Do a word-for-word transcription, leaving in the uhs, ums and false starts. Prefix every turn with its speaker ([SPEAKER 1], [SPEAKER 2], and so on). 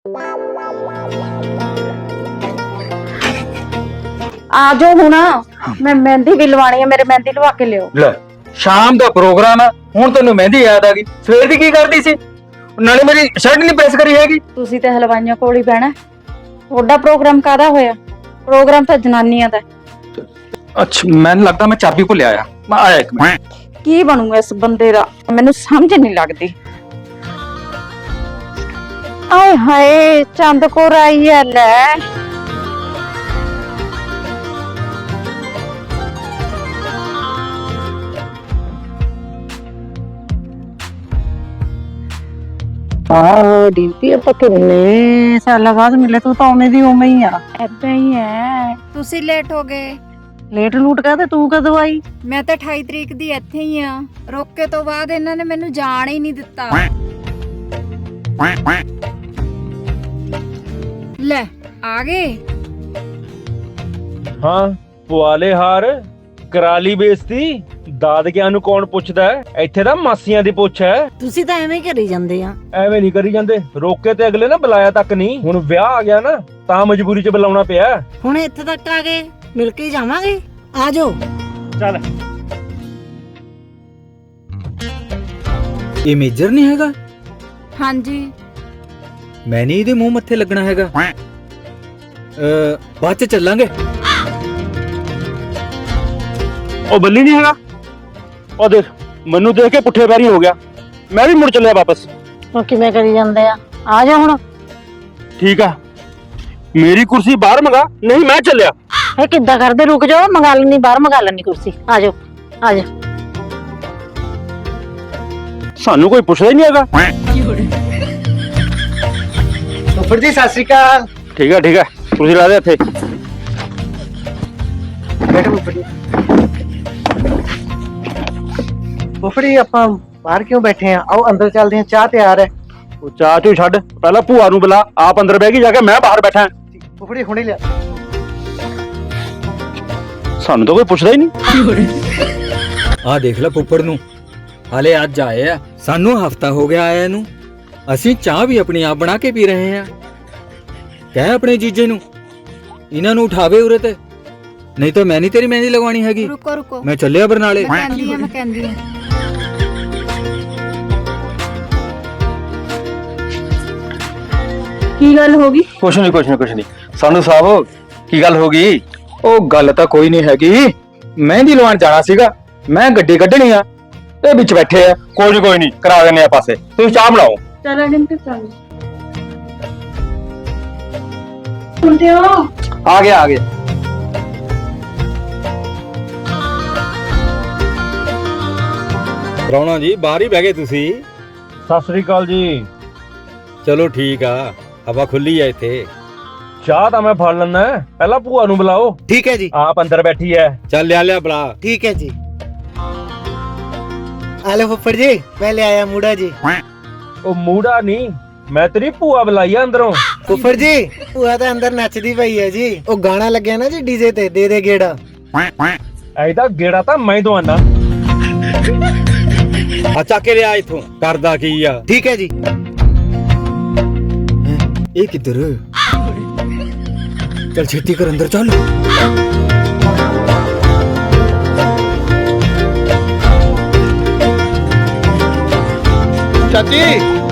[SPEAKER 1] आ जाओ हुण, मैं मेहंदी भी लवानी है, मेरे मेहंदी लवा के लियो।
[SPEAKER 2] ले शाम दा प्रोग्राम है, हुण तैनूं मेहंदी याद आ गई? सवेर दी की करदी सी? नाले मेरी शर्ट नहीं प्रेस करी हैगी।
[SPEAKER 1] तुसी ते हलवाइयां कोल ही बहना, ओडा प्रोग्राम कादा होया? प्रोग्राम तो जनानियां दा।
[SPEAKER 2] अच्छा मैनूं लगदा मैं चाबी भुल्लिया आया, मैं आया एक मिनट।
[SPEAKER 1] की बनूगा इस बंदे दा, मैनूं समझ नहीं लगदी। आए हाय चंद कौर आई है ले।
[SPEAKER 3] ਆਹ ਡੀਪੀ ਆਪਾਂ ਕਿੰਨੇ ਸਾਲਾਂ ਬਾਅਦ ਮਿਲੇ, ਤੂੰ ਤਾਂ ਉਵੇਂ ਦੀ ਉਵੇਂ ਹੀ ਆ।
[SPEAKER 1] ਏਦਾਂ ਹੀ ਹੈ। ਤੁਸੀਂ ਲੇਟ ਹੋ ਗਏ।
[SPEAKER 3] ਲੇਟ ਲੂਟ ਕਾ ਤੇ ਤੂੰ ਕਦੋਂ ਆਈ?
[SPEAKER 1] ਮੈਂ ਤਾਂ ਅਠਾਈ ਤਰੀਕ ਦੀ ਇੱਥੇ ਹੀ ਆ। ਰੋਕੇ ਤੋਂ ਬਾਅਦ ਇਹਨਾਂ ਨੇ ਮੈਨੂੰ ਜਾਣ ਹੀ ਨਹੀਂ ਦਿੱਤਾ। ਲੈ ਆ ਗਏ।
[SPEAKER 4] ਹਾਂ ਪਵਾਲੇ ਹਾਰ ਕਰਾ ਲਈ ਬੇਇੱਜ਼ਤੀ। ਦਾਦਕਿਆਂ ਨੂੰ ਕੌਣ ਪੁੱਛਦਾ ਹੈ? ਇੱਥੇ ਤਾਂ ਮਾਸੀਆਂ ਦੀ ਪੁੱਛ ਹੈ।
[SPEAKER 3] ਤੁਸੀਂ ਤਾਂ ਐਵੇਂ ਹੀ ਕਰੀ ਜਾਂਦੇ ਆ।
[SPEAKER 4] ਐਵੇਂ ਨਹੀਂ ਕਰੀ ਜਾਂਦੇ, ਰੋਕੇ ਤੇ ਅਗਲੇ ਨਾ ਬੁਲਾਇਆ ਤੱਕ ਨਹੀਂ। ਹੁਣ ਵਿਆਹ ਆ ਗਿਆ ਨਾ ਤਾਂ ਮਜਬੂਰੀ 'ਚ ਬੁਲਾਉਣਾ ਪਿਆ।
[SPEAKER 3] ਹੁਣ ਇੱਥੇ ਤੱਕ ਆ ਗਏ, ਮਿਲ ਕੇ ਜਾਵਾਂਗੇ। ਆ ਜਾਓ।
[SPEAKER 4] ਚੱਲ
[SPEAKER 5] ਇਹ ਮੇਜਰ ਨਹੀਂ ਹੈਗਾ?
[SPEAKER 1] ਹਾਂਜੀ
[SPEAKER 5] ਮੈਂ ਨਹੀਂ ਇਹਦੇ ਮੂੰਹ ਮੱਥੇ ਲੱਗਣਾ ਹੈਗਾ। ਅ ਬਾਅਦ ਚ ਚੱਲਾਂਗੇ।
[SPEAKER 4] ਉਹ ਬੱਲੀ ਨਹੀਂ ਹੈਗਾ? ਉਹ ਦੇਖ ਮੈਨੂੰ ਦੇਖ ਕੇ ਪੁੱਠੇ ਪੈਰੀ ਹੋ ਗਿਆ, ਮੈਂ ਵੀ ਮੁੜ ਚੱਲਿਆ ਵਾਪਸ।
[SPEAKER 3] ਉਹ ਕਿਵੇਂ ਕਰੀ ਜਾਂਦੇ ਆ? ਆ ਜਾ ਹੁਣ।
[SPEAKER 4] ਠੀਕ ਆ, ਮੇਰੀ ਕੁਰਸੀ ਬਾਹਰ ਮੰਗਾ, ਨਹੀਂ ਮੈਂ ਚੱਲਿਆ।
[SPEAKER 3] ਇਹ ਕਿੱਦਾਂ ਕਰਦੇ? ਰੁਕ ਜਾਓ, ਮੰਗਾ ਲੈਣੀ, ਬਾਹਰ ਮੰਗਾ ਲੈਣੀ ਕੁਰਸੀ। ਆ ਜਾਓ ਆ ਜਾ।
[SPEAKER 4] ਸਾਨੂੰ ਕੋਈ ਪੁੱਛਦਾ ਹੀ ਨਹੀਂ ਹੈਗਾ।
[SPEAKER 2] ਫੁੱਫੜ ਜੀ ਸਤਿ ਸ਼੍ਰੀ ਅਕਾਲ।
[SPEAKER 4] ਠੀਕ ਆ ਠੀਕ ਆ, ਕੁਰਸੀ ਲਾ ਦੇ ਇੱਥੇ।
[SPEAKER 2] ਬੈਠੋ ਫੁੱਫੜ ਜੀ। ਫੁੱਫੜ ਜੀ ਆਪਾਂ ਬਾਹਰ ਕਿਉਂ ਬੈਠੇ ਆ? ਆਓ ਅੰਦਰ ਚੱਲਦੇ ਆ, ਚਾਹ ਤਿਆਰ ਹੈ।
[SPEAKER 4] ਉਹ ਚਾਹ ਚੂ ਛੱਡ, ਪਹਿਲਾਂ ਭੂਆ ਨੂੰ ਬੁਲਾ। ਆਪ ਅੰਦਰ ਬਹਿ ਗਈ ਜਾ ਕੇ, ਮੈਂ ਬਾਹਰ ਬੈਠਾ।
[SPEAKER 2] ਫੁੱਫੜ ਜੀ ਹੁਣੇ ਲਿਆ।
[SPEAKER 4] ਸਾਨੂੰ ਤਾਂ ਕੋਈ ਪੁੱਛਦਾ ਹੀ ਨਹੀਂ।
[SPEAKER 5] ਆਹ ਦੇਖ ਲੈ ਫੁੱਫੜ ਨੂੰ, ਹਾਲੇ ਅੱਜ ਆਏ ਆ। ਸਾਨੂੰ ਹਫਤਾ ਹੋ ਗਿਆ ਆਇਆ ਨੂੰ। ਅਸੀਂ ਚਾਹ ਵੀ ਆਪਣੀ ਆਪ ਬਣਾ ਕੇ ਪੀ ਰਹੇ ਆ। ਕਹਿ ਆਪਣੇ ਜੀਜੇ ਨੂੰ ਇਹਨਾਂ ਨੂੰ ਉਠਾਵੇ ਉਰੇ ਤੇ, ਨਹੀਂ ਤਾਂ ਮੈਂ ਨਹੀਂ ਤੇਰੀ ਮਹਿੰਦੀ ਲਗਵਾਣੀ ਹੈਗੀ।
[SPEAKER 1] ਰੁਕੋ ਰੁਕੋ,
[SPEAKER 5] ਮੈਂ ਚੱਲਿਆ ਬਰਨਾਲੇ।
[SPEAKER 1] ਮੈਂ ਕਹਿੰਦੀ ਆ ਮੈਂ ਕਹਿੰਦੀ ਆ। ਕੀ ਗੱਲ ਹੋ ਗਈ?
[SPEAKER 2] ਕੁਛ ਨਹੀਂ ਕੁਛ ਨਹੀਂ ਕੁਛ ਨਹੀਂ। ਸਾਨੂੰ ਸਾਹਿਬ ਕੀ ਗੱਲ ਹੋ ਗਈ? ਉਹ ਗੱਲ ਤਾਂ ਕੋਈ ਨਹੀਂ ਹੈਗੀ, ਮਹਿੰਦੀ ਲਵਾਉਣ ਜਾਣਾ ਸੀਗਾ, ਮੈਂ ਗੱਡੀ ਕੱਢਣੀ ਆ, ਇਹ ਵਿੱਚ ਬੈਠੇ ਆ। ਕੋਈ ਨਹੀਂ ਕੋਈ ਨਹੀਂ, ਕਰਾ ਦਿੰਨੇ ਆ ਪਾਸੇ, ਤੁਸੀਂ ਚਾਹ ਬਣਾਓ।
[SPEAKER 1] ਚਲ ਅਡਿੰਗ ਤੇ ਚੱਲ। ਸੁਣਦੇ ਹੋ?
[SPEAKER 2] ਆ ਗਿਆ ਆ ਗਿਆ।
[SPEAKER 5] ਪ੍ਰਾਹੁਣਾ ਜੀ ਬਾਹਰ ਹੀ ਬਹਿ ਗਏ ਤੁਸੀਂ?
[SPEAKER 4] ਸਤਿ ਸ੍ਰੀ ਅਕਾਲ ਜੀ।
[SPEAKER 5] ਚਲੋ ਠੀਕ ਆ, ਹਵਾ ਖੁੱਲੀ ਆ ਇੱਥੇ।
[SPEAKER 4] ਚਾਹ ਤਾਂ ਮੈਂ ਫੜ ਲੈਣਾ, ਪਹਿਲਾਂ ਭੂਆ ਨੂੰ ਬੁਲਾਓ।
[SPEAKER 5] ਠੀਕ ਹੈ ਜੀ।
[SPEAKER 4] ਆਪ ਅੰਦਰ ਬੈਠੀ ਐ।
[SPEAKER 5] ਚੱਲ ਲਿਆ ਲਿਆ ਬੁਲਾ।
[SPEAKER 6] ठीक है जी। आलो फुफड़ जी, मैं ले आया मूड़ा जी।
[SPEAKER 4] ਉਹ ਮੂੜਾ ਨਹੀਂ, ਮੈਂ ਤੇਰੀ ਭੂਆ ਬੁਲਾਈ ਆ ਅੰਦਰੋਂ।
[SPEAKER 6] फुफड़ जी भूआ तो अंदर नचदी पई है जी। ओ गाना लग्या ना जी डीजे ते, दे दे गेड़ा।
[SPEAKER 4] ਐਦਾ ਗੇੜਾ ਤਾਂ ਮੈਂ ਦਵਾਨਾ।
[SPEAKER 5] ਆ ਚੱਕ ਕੇ ਲਿਆ ਇੱਥੋਂ। ਕਰਦਾ ਕੀ ਆ?
[SPEAKER 6] ठीक है जी।
[SPEAKER 5] ਇਹ ਕਿੱਧਰ? ਚੱਲ ਛੇਤੀ ਕਰ, ਅੰਦਰ ਚੱਲ।
[SPEAKER 2] ਚਾਚੀ